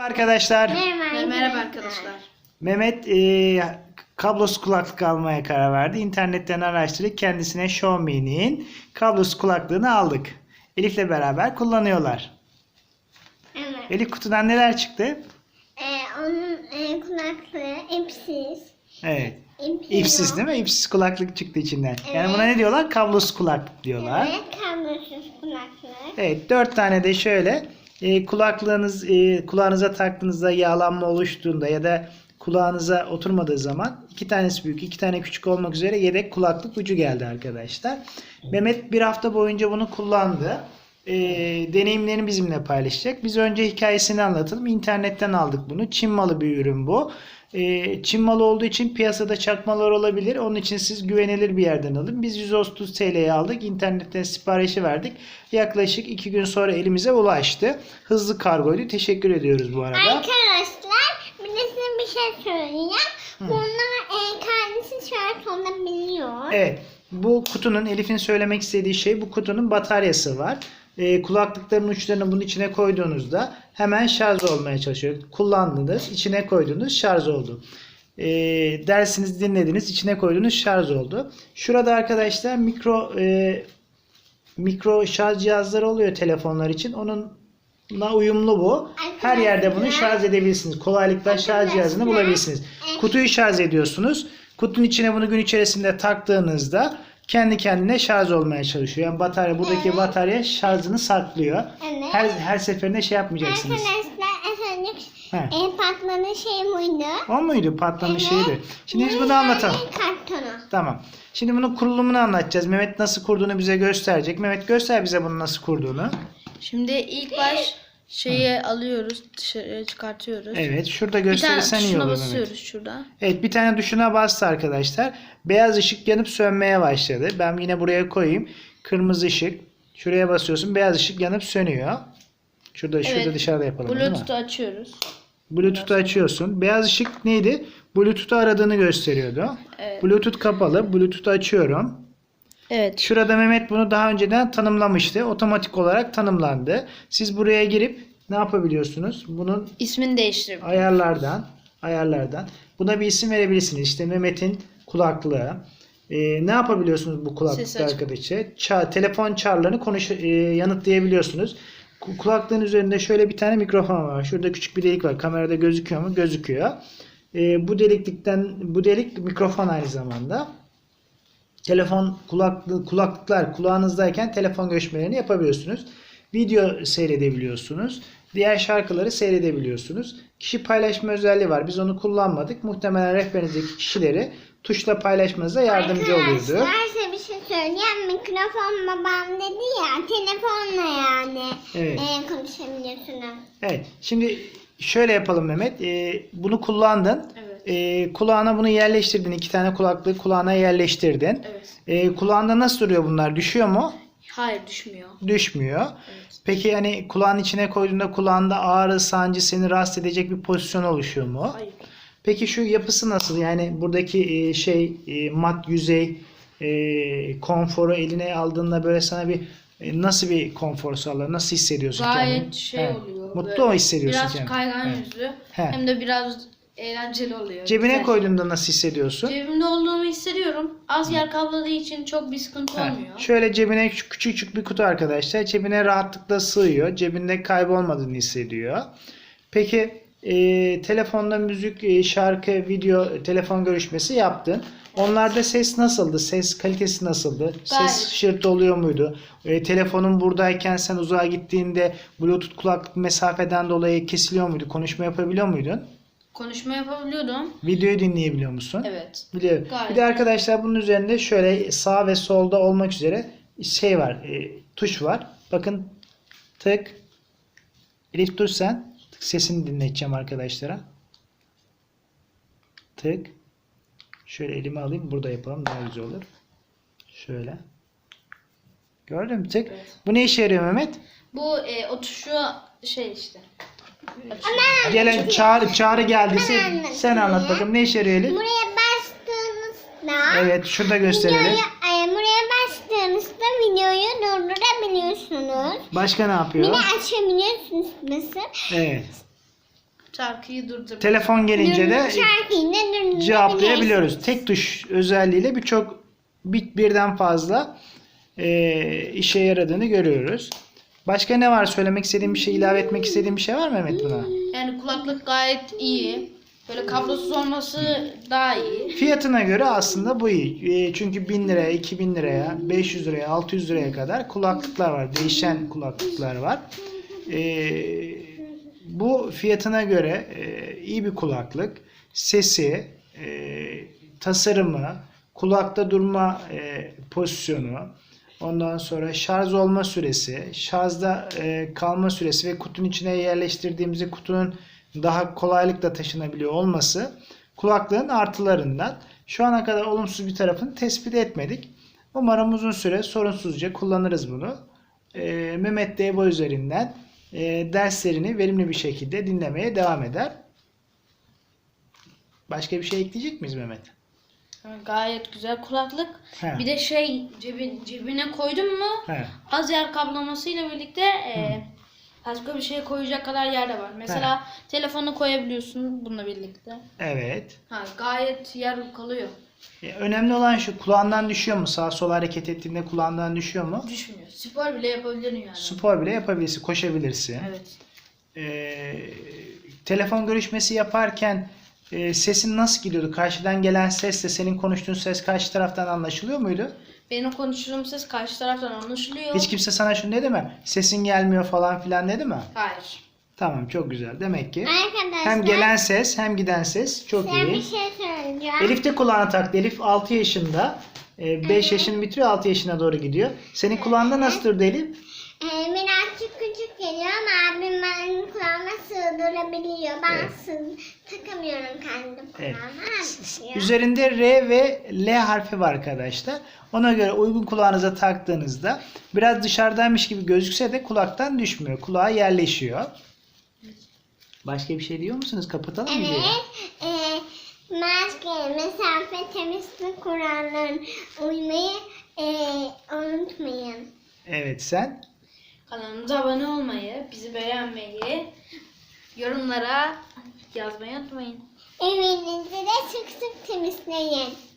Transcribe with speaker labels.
Speaker 1: Arkadaşlar,
Speaker 2: Merhaba arkadaşlar.
Speaker 1: Mehmet kablosuz kulaklık almaya karar verdi. İnternetten araştırıp kendisine Xiaomi'nin kablosuz kulaklığını aldık. Elif'le beraber kullanıyorlar.
Speaker 3: Evet.
Speaker 1: Elif, kutudan neler çıktı?
Speaker 3: Onun kulaklığı ipsiz.
Speaker 1: Evet.
Speaker 3: İpi
Speaker 1: İpsiz
Speaker 3: yok.
Speaker 1: değil mi? İpsiz kulaklık çıktı içinden. Yani
Speaker 3: Evet.
Speaker 1: buna ne diyorlar? Kablosuz kulaklık diyorlar.
Speaker 3: Evet, kablosuz kulaklık.
Speaker 1: Evet, 4 tane de şöyle kulağınıza taktığınızda yağlanma oluştuğunda ya da kulağınıza oturmadığı zaman 2 tanesi büyük, 2 tane küçük olmak üzere yedek kulaklık ucu geldi arkadaşlar. Mehmet bir hafta boyunca bunu kullandı. Deneyimlerini bizimle paylaşacak. Biz önce hikayesini anlatalım. İnternetten aldık bunu. Çin malı bir ürün bu. Çin malı olduğu için piyasada çakmalar olabilir. Onun için siz güvenilir bir yerden alın. Biz 130 TL'ye aldık. İnternetten siparişi verdik. Yaklaşık 2 gün sonra elimize ulaştı. Hızlı kargoydu. Teşekkür ediyoruz bu arada.
Speaker 3: Arkadaşlar, bir de size bir şey söyleyeceğim. Bunlar kendisi şart olabiliyor.
Speaker 1: Evet. Bu kutunun, Elif'in söylemek istediği şey, bu kutunun bataryası var. Kulaklıkların uçlarını bunun içine koyduğunuzda hemen şarj olmaya çalışıyor. Kullandınız, içine koydunuz, şarj oldu. Dersinizi dinlediniz, içine koydunuz, şarj oldu. Şurada arkadaşlar mikro şarj cihazları oluyor telefonlar için. Onunla uyumlu bu. Her yerde bunu şarj edebilirsiniz. Kolaylıkla şarj cihazını bulabilirsiniz. Kutuyu şarj ediyorsunuz. Kutunun içine bunu gün içerisinde taktığınızda kendi kendine şarj olmaya çalışıyor. Yani batarya, buradaki batarya şarjını saklıyor.
Speaker 3: Evet.
Speaker 1: Her seferinde şey yapmayacaksınız.
Speaker 3: Arkadaşlar, patlanan şey buydu.
Speaker 1: O muydu? Patlamış şeydi. Şimdi biz bunu anlatalım.
Speaker 3: Kartonu.
Speaker 1: Tamam. Şimdi bunun kurulumunu anlatacağız. Mehmet nasıl kurduğunu bize gösterecek. Mehmet, göster bize bunu nasıl kurduğunu.
Speaker 2: Şimdi ilk baş şeyi alıyoruz, dışarı çıkartıyoruz.
Speaker 1: Evet. Şurada
Speaker 2: Bir tane
Speaker 1: gösterirsen iyi
Speaker 2: tuşuna
Speaker 1: olur
Speaker 2: basıyoruz
Speaker 1: Mehmet.
Speaker 2: şurada.
Speaker 1: Evet, bir tane tuşuna bastı arkadaşlar. Beyaz ışık yanıp sönmeye başladı. Ben yine buraya koyayım. Kırmızı ışık. Şuraya basıyorsun. Beyaz ışık yanıp sönüyor. Şurada
Speaker 2: Evet.
Speaker 1: dışarıda yapalım, değil mi?
Speaker 2: Bluetooth'u açıyoruz.
Speaker 1: Bluetooth'u açıyorsun. Beyaz ışık neydi? Bluetooth'u aradığını gösteriyordu.
Speaker 2: Evet.
Speaker 1: Bluetooth kapalı. Bluetooth'u açıyorum.
Speaker 2: Evet.
Speaker 1: Şurada Mehmet bunu daha önceden tanımlamıştı. Otomatik olarak tanımlandı. Siz buraya girip ne yapabiliyorsunuz? Bunun
Speaker 2: İsmini değiştirelim.
Speaker 1: ayarlardan buna bir isim verebilirsiniz. İşte Mehmet'in kulaklığı. Ne yapabiliyorsunuz bu kulaklıkta arkadaşlar? Telefon çağrılarını yanıtlayabiliyorsunuz. Kulaklığın üzerinde şöyle bir tane mikrofon var. Şurada küçük bir delik var. Kamerada gözüküyor mu? Gözüküyor. Bu delik mikrofon aynı zamanda. Kulaklıklar kulağınızdayken telefon görüşmelerini yapabiliyorsunuz. Video seyredebiliyorsunuz. Diğer şarkıları seyredebiliyorsunuz. Kişi paylaşma özelliği var. Biz onu kullanmadık. Muhtemelen rehberinizdeki kişileri tuşla paylaşmanıza yardımcı oluyordu.
Speaker 3: Arkadaşlar, size bir şey söyleyeyim. Mikrofon babam dedi ya, telefonla yani
Speaker 1: Evet.
Speaker 3: konuşabiliyorsunuz.
Speaker 1: Evet. Şimdi şöyle yapalım Mehmet. Bunu kullandın.
Speaker 2: Evet.
Speaker 1: Kulağına bunu yerleştirdin. 2 tane kulaklığı kulağına yerleştirdin.
Speaker 2: Evet.
Speaker 1: Kulağında nasıl duruyor bunlar? Düşüyor mu?
Speaker 2: Hayır, düşmüyor.
Speaker 1: Düşmüyor.
Speaker 2: Evet.
Speaker 1: Peki hani kulağın içine koyduğunda kulağında ağrı, sancı seni rahatsız edecek bir pozisyon oluşuyor mu?
Speaker 2: Hayır.
Speaker 1: Peki şu yapısı nasıl? Yani buradaki mat yüzey konforu eline aldığında böyle sana bir nasıl bir konfor sağlar? Nasıl hissediyorsun
Speaker 2: Gayet
Speaker 1: kendini?
Speaker 2: oluyor.
Speaker 1: Mutlu
Speaker 2: böyle
Speaker 1: mu hissediyorsun
Speaker 2: biraz
Speaker 1: kendini?
Speaker 2: kaygan
Speaker 1: Evet.
Speaker 2: yüzlü.
Speaker 1: He.
Speaker 2: Hem de biraz eğlenceli oluyor.
Speaker 1: Cebine
Speaker 2: Güzel.
Speaker 1: koyduğunda nasıl hissediyorsun?
Speaker 2: Cebimde olduğumu hissediyorum. Az yer kapladığı için çok bir sıkıntı
Speaker 1: Ha,
Speaker 2: olmuyor.
Speaker 1: şöyle cebine küçük bir kutu arkadaşlar. Cebine rahatlıkla sığıyor. Cebinde kaybolmadığını hissediyor. Peki telefonda müzik, şarkı, video, telefon görüşmesi yaptın. Onlarda ses nasıldı? Ses kalitesi nasıldı?
Speaker 2: Gayet.
Speaker 1: Ses şırtı oluyor muydu? Telefonun buradayken sen uzağa gittiğinde Bluetooth kulaklık mesafeden dolayı kesiliyor muydu? Konuşma yapabiliyor muydun?
Speaker 2: Konuşma yapabiliyordum.
Speaker 1: Videoyu dinleyebiliyor musun?
Speaker 2: Evet.
Speaker 1: Biliyorum.
Speaker 2: Gayet.
Speaker 1: Bir de arkadaşlar bunun üzerinde şöyle sağ ve solda olmak üzere şey var, tuş var. Bakın, tık. Elif, dur sen. Tık, sesini dinleteceğim arkadaşlara. Tık. Şöyle elime alayım. Burada yapalım. Daha güzel olur. Şöyle. Gördün mü? Tık.
Speaker 2: Evet.
Speaker 1: Bu ne işe yarıyor Mehmet?
Speaker 2: Bu o tuşu şey işte.
Speaker 1: Gelen çağrı geldiyse sen anlat bakalım. Ne işe yarıyor Elif?
Speaker 3: Buraya bastığınızda
Speaker 1: Evet. Şurada gösterelim.
Speaker 3: buraya bastığınızda videoyu durdurabiliyorsunuz.
Speaker 1: Başka ne yapıyor?
Speaker 3: Yine açabiliyorsunuz basıp.
Speaker 1: Evet.
Speaker 2: Şarkıyı durdur.
Speaker 1: Telefon gelince de
Speaker 3: Şarkıyı da durdurabiliyorsun.
Speaker 1: cevaplayabiliyoruz. Tek tuş özelliğiyle birden fazla işe yaradığını görüyoruz. Başka ne var? Söylemek istediğim bir şey, ilave etmek istediğim bir şey var mı Mehmet buna?
Speaker 2: Yani kulaklık gayet iyi. Böyle kablosuz olması daha iyi.
Speaker 1: Fiyatına göre aslında bu iyi. Çünkü 1000 liraya, 2000 liraya, 500 liraya, 600 liraya kadar kulaklıklar var. Değişen kulaklıklar var. Bu fiyatına göre iyi bir kulaklık. Sesi, tasarımı, kulakta durma pozisyonu, ondan sonra şarj olma süresi, şarjda kalma süresi ve kutunun içine yerleştirdiğimizde kutunun daha kolaylıkla taşınabiliyor olması kulaklığın artılarından. Şu ana kadar olumsuz bir tarafını tespit etmedik. Umarım uzun süre sorunsuzca kullanırız bunu. Mehmet de EBO üzerinden derslerini verimli bir şekilde dinlemeye devam eder. Başka bir şey ekleyecek miyiz Mehmet?
Speaker 2: Yani gayet güzel kulaklık.
Speaker 1: He.
Speaker 2: Bir de cebine koydun mu
Speaker 1: He.
Speaker 2: az yer kaplamasıyla birlikte başka bir şey koyacak kadar yer de var. Mesela telefonu koyabiliyorsun bununla birlikte.
Speaker 1: Evet.
Speaker 2: Gayet yer kalıyor.
Speaker 1: Önemli olan şu, kulağından düşüyor mu? Sağa sola hareket ettiğinde kulağından düşüyor mu?
Speaker 2: Düşmüyor. Spor bile yapabilirim yani.
Speaker 1: Spor bile yapabilirsin, koşabilirsin.
Speaker 2: Evet.
Speaker 1: Telefon görüşmesi yaparken sesin nasıl gidiyordu? Karşıdan gelen sesle senin konuştuğun ses karşı taraftan anlaşılıyor muydu?
Speaker 2: Benim konuştuğum ses karşı taraftan anlaşılıyor.
Speaker 1: Hiç kimse sana şunu dedi mi? Sesin gelmiyor falan filan dedi mi?
Speaker 2: Hayır.
Speaker 1: Tamam, çok güzel. Demek ki
Speaker 3: Arkadaşlar
Speaker 1: hem gelen ses hem giden ses çok
Speaker 3: size bir
Speaker 1: iyi.
Speaker 3: şey söyleyeceğim.
Speaker 1: Elif de kulağına taktı. Elif 6 yaşında. 5 yaşını bitiriyor, 6 yaşına doğru gidiyor. Senin kulağında nasıl durdu Elif?
Speaker 3: Birazcık küçük geliyor ama abim benim kulağıma sığdırabiliyor. Ben takamıyorum kendim
Speaker 1: Evet.
Speaker 3: kulağıma.
Speaker 1: Üzerinde R ve L harfi var arkadaşlar. Ona göre uygun kulağınıza taktığınızda biraz dışarıdaymış gibi gözükse de kulaktan düşmüyor. Kulağa yerleşiyor. Başka bir şey diyor musunuz? Kapatalım mı videoyu?
Speaker 3: Evet. Maske, mesafe, temizlik kurallarına uymayı unutmayın.
Speaker 1: Evet, sen?
Speaker 2: Kanalımıza abone olmayı, bizi beğenmeyi, yorumlara yazmayı unutmayın.
Speaker 3: Evinizi de sık sık temizleyin.